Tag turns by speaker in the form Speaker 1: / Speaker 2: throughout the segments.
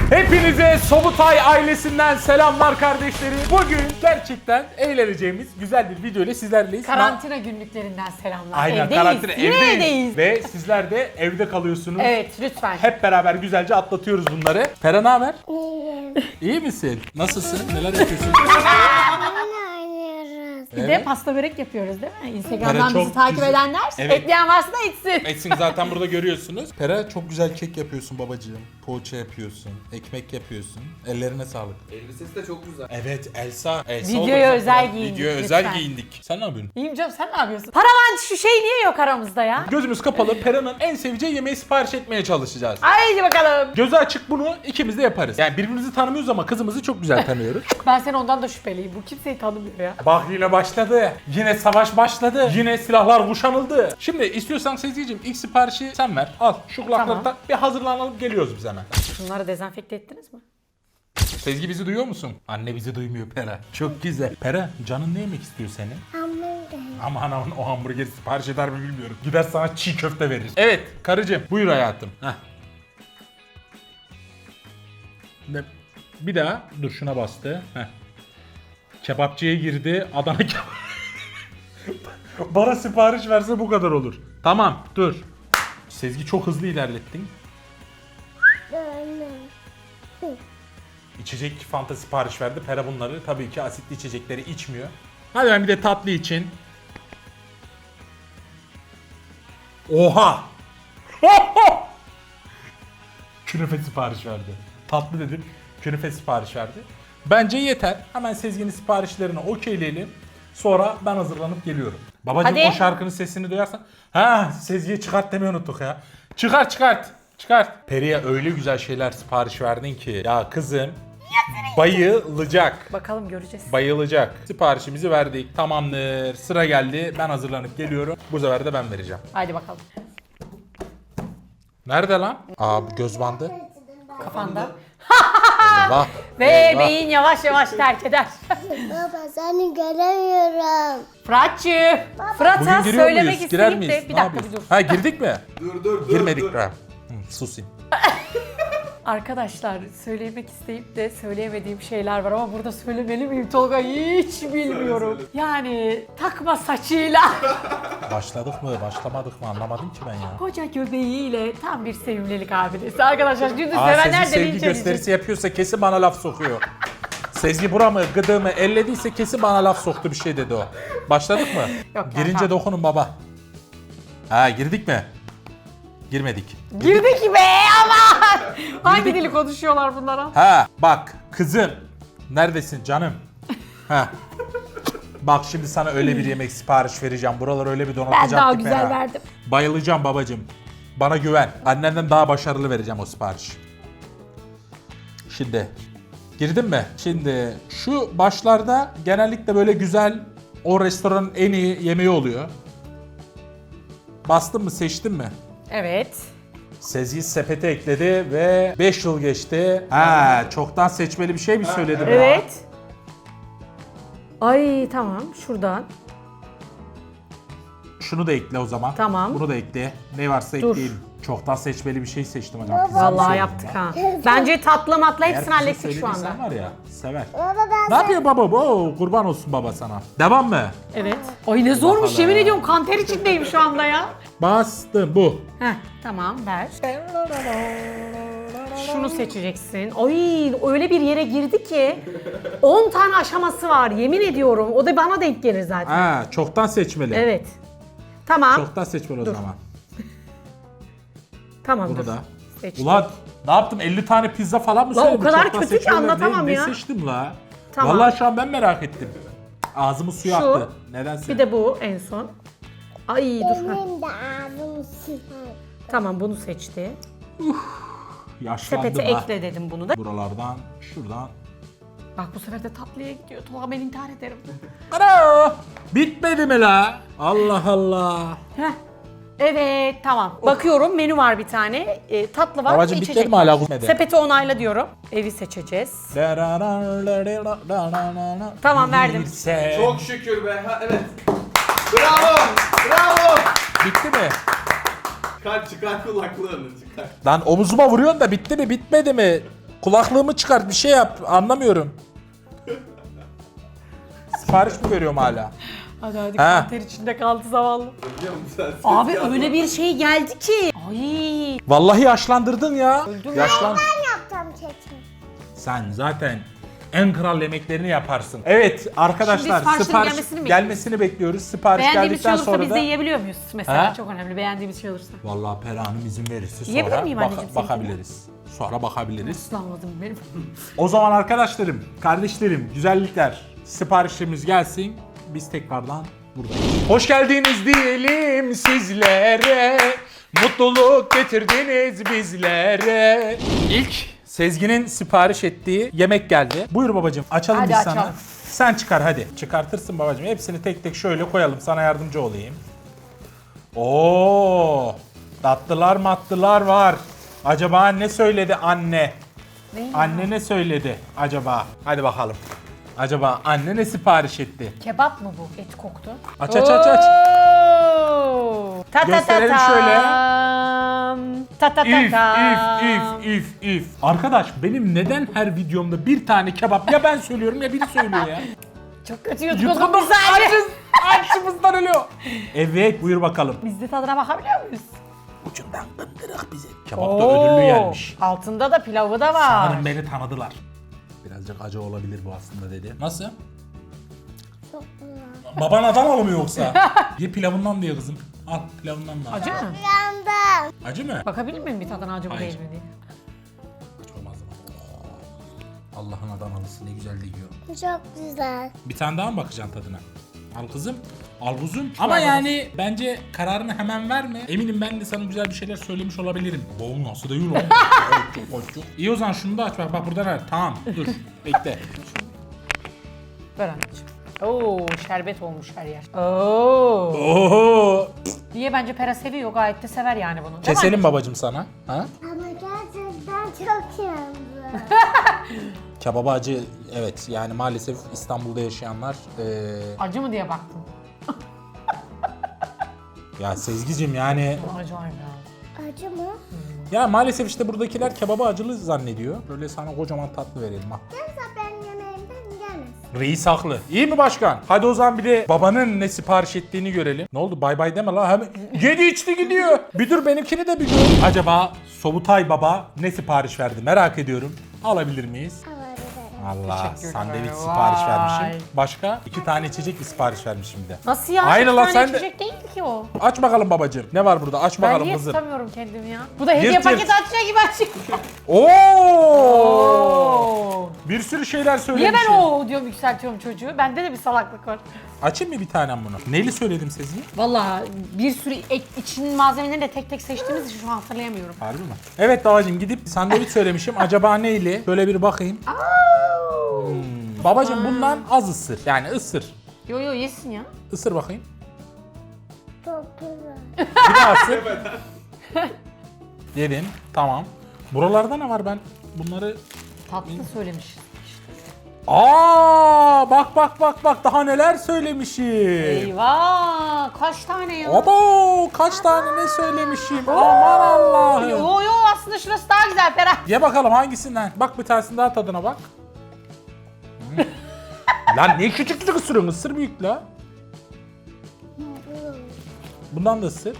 Speaker 1: Hepinize Sobutay ailesinden selamlar kardeşlerim. Bugün gerçekten eğleneceğimiz güzel bir video ile sizlerleyiz.
Speaker 2: Karantina günlüklerinden selamlar.
Speaker 1: Aynen,
Speaker 2: evdeyiz.
Speaker 1: karantina
Speaker 2: Yine
Speaker 1: evdeyiz. Ve sizler de evde kalıyorsunuz.
Speaker 2: Evet, lütfen.
Speaker 1: Hep beraber güzelce atlatıyoruz bunları. Pera ne haber? İyi misin? Nasılsın? Neler yapıyorsun?
Speaker 2: Bir de pasta börek yapıyoruz değil mi? Instagram'dan
Speaker 1: Evet, çok
Speaker 2: bizi takip
Speaker 1: güzel.
Speaker 2: edenler,
Speaker 1: Evet.
Speaker 2: ekleyen varsa da etsin.
Speaker 1: Etsin zaten burada görüyorsunuz. Pera çok güzel kek yapıyorsun babacığım. Poğaça yapıyorsun, ekmek yapıyorsun. Ellerine sağlık.
Speaker 3: Elbisesi de çok güzel.
Speaker 1: Evet Elsa
Speaker 2: Videoya
Speaker 1: oldu.
Speaker 2: özel giyindik,
Speaker 1: Videoya özel
Speaker 2: lütfen.
Speaker 1: giyindik. Sen ne yapıyorsun?
Speaker 2: İyiyim canım, sen ne yapıyorsun? Paravan şu şey niye yok aramızda ya?
Speaker 1: Gözümüz kapalı Pera'nın en seveceği yemeği sipariş etmeye çalışacağız.
Speaker 2: Haydi bakalım.
Speaker 1: Gözü açık bunu ikimiz de yaparız. Yani birbirimizi tanımıyoruz ama kızımızı çok güzel tanıyoruz.
Speaker 2: Ben seni ondan da şüpheliyim. Bu kimseyi tanımıyor ya.
Speaker 1: Bak yine başladı. Yine savaş başladı. Yine silahlar kuşanıldı. Şimdi istiyorsan Sezgi'cim ilk siparişi sen ver. Al şu kulakları
Speaker 2: Tamam.
Speaker 1: tak. Bir hazırlanalım geliyoruz biz hemen.
Speaker 2: Bunları dezenfekte ettiniz mi?
Speaker 1: Sezgi bizi duyuyor musun? Anne bizi duymuyor Pera. Çok güzel. Pera canın ne yemek istiyor senin?
Speaker 4: Hamburger.
Speaker 1: Ama anamın o hamburgeri sipariş eder mi bilmiyorum. Gider sana çiğ köfte verir. Evet karıcığım buyur hayatım. Heh. Bir daha dur şuna bastı. Heh. Kebapçıya girdi. Adana kebap. Bana sipariş verse bu kadar olur. Tamam dur. Sezgi çok hızlı ilerlettin. İçecek Fanta sipariş verdi. Pera bunları tabii ki asitli içecekleri içmiyor. Hadi ben bir de tatlı için. Oha! Künefe sipariş verdi. Tatlı dedim. Künefe sipariş verdi. Bence yeter. Hemen Sezgi'nin siparişlerini okeyleyelim. Sonra ben hazırlanıp geliyorum. Babacığım
Speaker 2: Hadi.
Speaker 1: o şarkının sesini duyarsan. Ha Sezgi'ye çıkart demeyi unuttuk ya. Çıkart. Peri'ye öyle güzel şeyler sipariş verdin ki. Ya kızım bayılacak.
Speaker 2: Bakalım göreceğiz.
Speaker 1: Bayılacak. Siparişimizi verdik. Tamamdır. Sıra geldi. Ben hazırlanıp geliyorum. Bu sefer de ben vereceğim.
Speaker 2: Haydi bakalım.
Speaker 1: Nerede lan? Aa bu göz bandı.
Speaker 2: Kafanda.
Speaker 1: Eyvah.
Speaker 2: Ve
Speaker 1: Eyvah.
Speaker 2: beyin yavaş yavaş terk eder.
Speaker 4: Baba seni göremiyorum.
Speaker 2: Fırat'cığım. Fırat'a
Speaker 1: Bugün giriyor
Speaker 2: söylemek
Speaker 1: muyuz? Girer
Speaker 2: isteyip
Speaker 1: miyiz?
Speaker 2: de bir
Speaker 1: Ne
Speaker 2: dakika bir
Speaker 1: yapıyoruz?
Speaker 2: dur.
Speaker 1: Ha girdik mi?
Speaker 3: Dur.
Speaker 1: Girmedik
Speaker 3: dur.
Speaker 1: be. Susayım.
Speaker 2: Arkadaşlar söylemek isteyip de söyleyemediğim şeyler var ama burada söylemeli miyim Tolga hiç bilmiyorum.
Speaker 3: söyle.
Speaker 2: Yani takma saçıyla,
Speaker 1: Başladık mı başlamadık mı anlamadım ki ben ya.
Speaker 2: koca göbeğiyle tam bir sevimlilik abidesi. Arkadaşlar gündüz
Speaker 1: Aa
Speaker 2: sevenler
Speaker 1: Sezgi
Speaker 2: de
Speaker 1: sevgi
Speaker 2: linç
Speaker 1: gösterisi
Speaker 2: edecek.
Speaker 1: yapıyorsa kesin bana laf sokuyor. Sezgi buramı gıdığımı ellediyse kesin bana laf soktu bir şey dedi o. Başladık mı?
Speaker 2: ya,
Speaker 1: Girince
Speaker 2: tamam.
Speaker 1: dokunun baba. Ha girdik mi? Girmedik.
Speaker 2: Girdik be aman! Hangi dili konuşuyorlar bunlara?
Speaker 1: Ha bak kızım. Neredesin canım? Ha. Bak şimdi sana öyle bir yemek sipariş vereceğim. Buraları öyle bir donatacağım
Speaker 2: Ben daha
Speaker 1: ki
Speaker 2: güzel
Speaker 1: fena.
Speaker 2: verdim.
Speaker 1: Bayılacağım babacığım. Bana güven. Annenden daha başarılı vereceğim o sipariş. Şimdi girdin mi? Şimdi şu başlarda genellikle böyle güzel o restoranın en iyi yemeği oluyor. Bastın mı seçtin mi?
Speaker 2: Evet.
Speaker 1: Sezgi sepete ekledi ve 5 yıl geçti. Ha, çoktan seçmeli bir şey mi söyledim ya?
Speaker 2: Evet. Ay tamam şuradan.
Speaker 1: Şunu da ekle o zaman.
Speaker 2: Tamam.
Speaker 1: Bunu da ekle. Ne varsa
Speaker 2: Dur.
Speaker 1: ekleyelim. Çoktan seçmeli bir şey seçtim hocam. Pizza mı
Speaker 2: Vallahi
Speaker 1: söyledim
Speaker 2: yaptık
Speaker 1: ben?
Speaker 2: ha. Bence tatlı matla
Speaker 1: Eğer
Speaker 2: hepsini
Speaker 1: pizza
Speaker 2: hallettik şu
Speaker 1: söylediysen
Speaker 2: anda.
Speaker 1: var ya sever.
Speaker 4: Baba ben
Speaker 1: Ne yapıyor baba bu? Oo, kurban olsun baba sana. Devam mı?
Speaker 2: Evet. Ay ne zormuş
Speaker 1: Bakalım.
Speaker 2: yemin ediyorum kanter içindeyim şu anda ya.
Speaker 1: Bastım bu.
Speaker 2: Heh tamam ver. Şunu seçeceksin. Ay öyle bir yere girdi ki 10 tane aşaması var yemin ediyorum. O da bana denk gelir zaten.
Speaker 1: Ha, çoktan seçmeli.
Speaker 2: Evet. Tamam.
Speaker 1: Çoktan seçmeli o zaman.
Speaker 2: Tamam
Speaker 1: Bunu
Speaker 2: dur.
Speaker 1: da.
Speaker 2: Seçtim.
Speaker 1: Ulan ne yaptım? 50 tane pizza falan mı
Speaker 2: Lan o
Speaker 1: söyledim?
Speaker 2: kadar
Speaker 1: Çoktan
Speaker 2: kötü ki
Speaker 1: seçmeli.
Speaker 2: anlatamam
Speaker 1: ne,
Speaker 2: ya.
Speaker 1: Ne seçtim la?
Speaker 2: Tamam.
Speaker 1: Vallahi şu an ben merak ettim. Ağzımı suya
Speaker 2: Şu.
Speaker 1: attı. Nedense.
Speaker 2: Bir de bu en son. Ay dur. Heh.
Speaker 4: benim de ağzım sıfır.
Speaker 2: Tamam bunu seçti.
Speaker 1: Yaşlandım
Speaker 2: Sepete
Speaker 1: ha.
Speaker 2: ekle dedim bunu da.
Speaker 1: Buralardan, şuradan.
Speaker 2: Bak bu sefer de tatlıya gidiyor. Tolga ben intihar ederim.
Speaker 1: Ana! Bitmedi mi la? Allah Allah.
Speaker 2: Heh. Evet tamam. Bakıyorum menü var bir tane. Tatlı var.
Speaker 1: Babacım
Speaker 2: içecek
Speaker 1: bitmedi mi
Speaker 2: var.
Speaker 1: hala bitmedi?
Speaker 2: Sepeti onayla diyorum. Evi seçeceğiz. Tamam, verdim.
Speaker 1: Bilse-
Speaker 3: Çok şükür be. Ha, evet. Bravo.
Speaker 1: Bitti mi?
Speaker 3: Çıkar kulaklığını çıkar.
Speaker 1: Lan omuzuma vuruyorsun da bitti mi bitmedi mi? Kulaklığımı çıkart bir şey yap. Anlamıyorum. Sipariş mi veriyorum hala?
Speaker 2: Hadi hadi
Speaker 1: Ha.
Speaker 2: kanter içinde kaldı zavallı.
Speaker 3: Biliyor musun sen?
Speaker 2: Abi öyle bir şey geldi ki. Ay.
Speaker 1: Vallahi yaşlandırdın ya. Yaşlan.
Speaker 4: Ben yaptım keçimi.
Speaker 1: Sen zaten en kral yemeklerini yaparsın. Evet arkadaşlar
Speaker 2: Şimdi siparişlerin
Speaker 1: sipariş
Speaker 2: gelmesini mi
Speaker 1: bekliyoruz. Sipariş
Speaker 2: Beğendiğimiz şey
Speaker 1: geldikten
Speaker 2: olursa
Speaker 1: sonra
Speaker 2: biz
Speaker 1: da
Speaker 2: de yiyebiliyor muyuz mesela?
Speaker 1: Ha?
Speaker 2: Çok önemli beğendiğimiz şey olursa.
Speaker 1: vallahi Pera Hanım izin verirse sonra
Speaker 2: Yiyebilir miyim anneciğim
Speaker 1: bakabiliriz. Sonra bakabiliriz.
Speaker 2: Islanmadım benim.
Speaker 1: O zaman arkadaşlarım, kardeşlerim, güzellikler siparişlerimiz gelsin. Biz tekrardan buradayız. Hoş geldiniz diyelim sizlere. Mutluluk getirdiniz bizlere. İlk Sezgin'in sipariş ettiği yemek geldi. Buyur babacığım açalım
Speaker 2: Hadi
Speaker 1: biz
Speaker 2: açalım.
Speaker 1: sana. Sen çıkar hadi. Çıkartırsın babacığım. Hepsini tek tek şöyle koyalım. Sana yardımcı olayım. Oo, tatlılar matlılar var. Acaba ne söyledi anne?
Speaker 2: Ne?
Speaker 1: Anne ne söyledi acaba? Hadi bakalım. Acaba anne ne sipariş etti?
Speaker 2: Kebap mı bu? Et koktu.
Speaker 1: Aç aç aç aç.
Speaker 2: Oo! Ta ta ta
Speaker 1: Gösterelim
Speaker 2: tam.
Speaker 1: şöyle.
Speaker 2: Ta ta ta
Speaker 1: İf
Speaker 2: tam.
Speaker 1: if. Arkadaş benim neden her videomda bir tane kebap ya ben söylüyorum ya biri söylüyor ya.
Speaker 2: Çok kötü yutkunum bir
Speaker 1: Yutkunum
Speaker 2: saniye.
Speaker 1: açımızdan ölüyor. Evet buyur bakalım.
Speaker 2: Biz de tadına bakabiliyor muyuz?
Speaker 1: Ucundan dındırık bize. Kebap da ödüllü gelmiş.
Speaker 2: Altında da pilavı da var.
Speaker 1: Sanırım beni tanıdılar. Birazcık acı olabilir bu aslında dedi. Nasıl?
Speaker 4: Çok güzel.
Speaker 1: Baban Adanalı mı yoksa? Ye pilavından diye kızım. Al pilavından da. al.
Speaker 2: Acı mı?
Speaker 4: Yandım.
Speaker 1: Acı mı?
Speaker 2: Bakabilir miyim bir tadına acı mı
Speaker 1: Hayır.
Speaker 2: değil mi diye?
Speaker 1: Hiç olmaz mı? Allah'ın Adanalısı ne güzel de yiyor.
Speaker 4: Çok güzel.
Speaker 1: Bir tane daha mı bakacaksın tadına? Al kızım. Al kuzum. Ama yani bence kararını hemen verme. Eminim ben de sana güzel bir şeyler söylemiş olabilirim. Boğul nasıl da yiyor lan? Çok. İyi o zaman şunu da aç bak burada ver. Tamam dur bekle.
Speaker 2: Ver anneciğim. Oo, şerbet olmuş her yer. Oo.
Speaker 1: Oho.
Speaker 2: Diye bence Pera seviyor, gayet de sever yani bunu. Değil mi
Speaker 1: Keselim
Speaker 2: anneciğim?
Speaker 1: babacım sana. Ha?
Speaker 4: Ama gerçekten çok yandı.
Speaker 1: Kebaba acı evet yani maalesef İstanbul'da yaşayanlar
Speaker 2: Acı mı diye baktım.
Speaker 1: ya Sezgicim yani
Speaker 2: Acayip ya.
Speaker 4: Acı mı?
Speaker 1: ya maalesef işte buradakiler kebabı acılı zannediyor. Böyle sana kocaman tatlı verelim ha.
Speaker 4: Kimse benim yemeğimden yemez.
Speaker 1: Reis haklı. İyi mi başkan? Hadi o zaman bir de babanın ne sipariş ettiğini görelim. Ne oldu bay bay deme la hemen. Yedi içti gidiyor. Bir dur benimkini de bir gör. Acaba Sobutay baba ne sipariş verdi merak ediyorum. Alabilir miyiz?
Speaker 4: Alabilirim.
Speaker 1: Allah
Speaker 2: Teşekkürler.
Speaker 1: sandviç
Speaker 2: Vay.
Speaker 1: sipariş vermişim. Başka 2 tane içecek mi sipariş vermişim de.
Speaker 2: Nasıl ya?
Speaker 1: Aynı
Speaker 2: Bir
Speaker 1: lan,
Speaker 2: tane
Speaker 1: sen de-
Speaker 2: içecek değildi ki o.
Speaker 1: Aç bakalım babacığım. Ne var burada? Aç
Speaker 2: Ben
Speaker 1: bakalım
Speaker 2: niye
Speaker 1: kızım.
Speaker 2: tutamıyorum kendimi ya? Bu da hediye
Speaker 1: Yırt,
Speaker 2: paketi
Speaker 1: yırt.
Speaker 2: açacak gibi açık.
Speaker 1: Oo!
Speaker 2: Oo.
Speaker 1: Bir sürü şeyler
Speaker 2: Niye
Speaker 1: söylemişim.
Speaker 2: ben o diyorum yükseltiyorum çocuğu? Bende de bir salaklık var.
Speaker 1: Açayım mı bir tanem bunu? Neyli söyledim Sezgi?
Speaker 2: Vallahi bir sürü için malzemelerini de tek tek seçtiğimiz için şu an hatırlayamıyorum.
Speaker 1: Harbi mi? Evet babacığım gidip sandviç söylemişim. Acaba neyli? Şöyle bir bakayım. Babacığım bundan az ısır. Yani ısır.
Speaker 2: Yo yo yesin ya.
Speaker 1: Isır bakayım.
Speaker 4: Çok güzel.
Speaker 1: Bir daha ısır. Yedin. Tamam. Buralarda ne var ben? Bunları...
Speaker 2: Tatlı söylemişiz.
Speaker 1: Aa, bak daha neler söylemişim.
Speaker 2: Eyvah! Kaç tane ya?
Speaker 1: Abo kaç tane ne söylemişim. Aman Allah'ım.
Speaker 2: Yo yo aslında şurası daha güzel Ferah.
Speaker 1: Ye bakalım hangisinden. Bak bir tanesinin daha tadına bak. Lan ne küçük küçük ısırıyorsun? Isır büyük la. Bundan da ısır.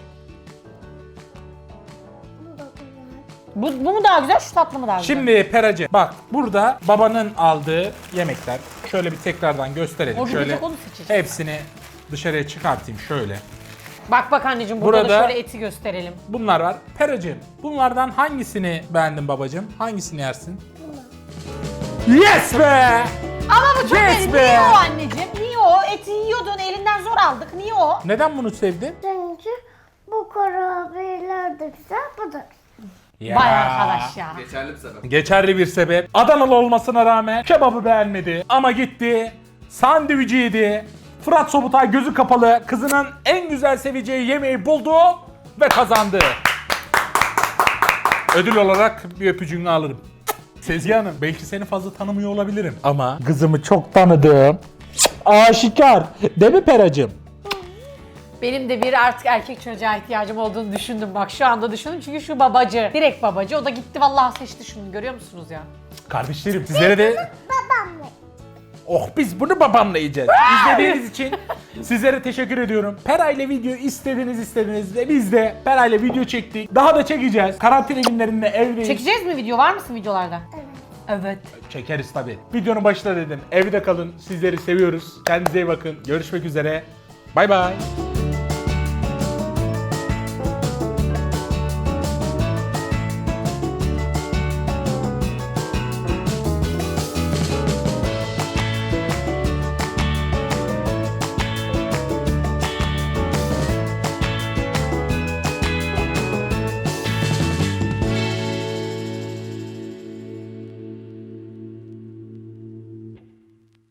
Speaker 4: Bu da güzel.
Speaker 2: Bu mu daha güzel, şu tatlı mı daha güzel?
Speaker 1: Şimdi Peracı bak burada babanın aldığı yemekler. Şöyle bir tekrardan gösterelim.
Speaker 2: O bir
Speaker 1: Şöyle
Speaker 2: tek onu seçeceğiz.
Speaker 1: hepsini dışarıya çıkartayım şöyle.
Speaker 2: Bak anneciğim burada
Speaker 1: Burada-
Speaker 2: da şöyle eti gösterelim.
Speaker 1: Bunlar var. Peracığım bunlardan hangisini beğendin babacığım? Hangisini yersin? Yes be!
Speaker 2: Ama bu çok
Speaker 1: Yes
Speaker 2: iyi.
Speaker 1: be!
Speaker 2: Niye o anneciğim? Niye o? Eti yiyordun, elinden zor aldık. Niye o?
Speaker 1: Neden bunu sevdin?
Speaker 4: Çünkü bu kurabiyeler de güzel, bu da güzel.
Speaker 1: Ya.
Speaker 2: Vay arkadaş ya.
Speaker 3: Geçerli bir sebep.
Speaker 1: Geçerli bir sebep. Adanalı olmasına rağmen kebabı beğenmedi. Ama gitti, sandviçi yedi. Fırat Sobutay gözü kapalı kızının en güzel seveceği yemeği buldu ve kazandı. Ödül olarak bir öpücüğünü alırım. Sezgi Hanım, belki seni fazla tanımıyor olabilirim. Ama kızımı çok tanıdım. Aşikar. Değil mi Peracığım?
Speaker 2: Benim de bir artık erkek çocuğa ihtiyacım olduğunu düşündüm bak şu anda düşündüm çünkü şu babacı, direkt babacı o da gitti vallahi seçti şunu görüyor musunuz ya?
Speaker 5: Kardeşlerim sizlere de...
Speaker 4: Babamla.
Speaker 5: Oh biz bunu babamla yiyeceğiz. İzlediğiniz için sizlere teşekkür ediyorum. Pera ile video istediniz ve biz de Pera ile video çektik. Daha da çekeceğiz. Karantina günlerinde evdeyiz.
Speaker 2: Çekeceğiz mi video? Var mısın videolarda? Evet.
Speaker 5: Çekeriz tabii. Videonun başında dedim. Evde kalın. Sizleri seviyoruz. Kendinize iyi bakın. Görüşmek üzere. Bay bay.